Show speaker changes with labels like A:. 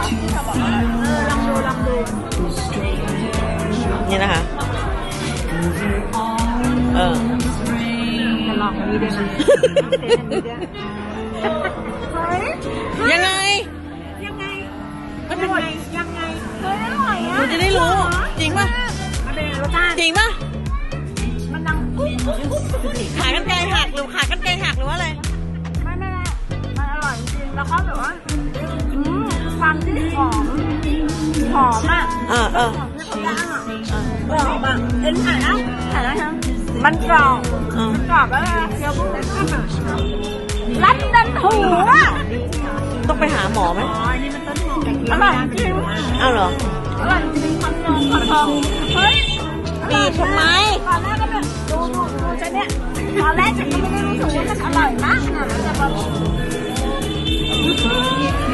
A: ลองดู
B: นี่นะคะ
A: จะลองอันนี้ด้วยนะ
B: ยังไง
A: มันเป็นยังไงเฮ้ยอร่อยอ่ะ
B: คุณจะได้รู้จริงป่ะ
A: มันเป็นรสชาติ
B: จริงป่ะ
A: มันดัง
B: ขากรรไกรหักหรือขากรรไกรหักหรือว่าอะไร
A: ไม่มันอร่อยจริงแล้วก็แบบว่าความที่หอมอ่ะหอมที่เขาย่างอ่ะกรอบอ่ะเอ็นถ่ายแล้วใช่มันกรอบแล้วเคี้ยวพวกนี้ข้าวรัดดันหูอ่ะ
B: ต้องไปหาหมอไหม
A: นี่มันต้นหอมอร่อยจริง
B: เอาเหรอ
A: อร่อยจริงขอทองเฮ้ย
B: บีบทำไม
A: ตอนแรกก็แบบดูฉันเนี่ยตอนแรกฉันก็ไม่ได้รู้สึกว่ามันอร่อยมากนะแต่แบบ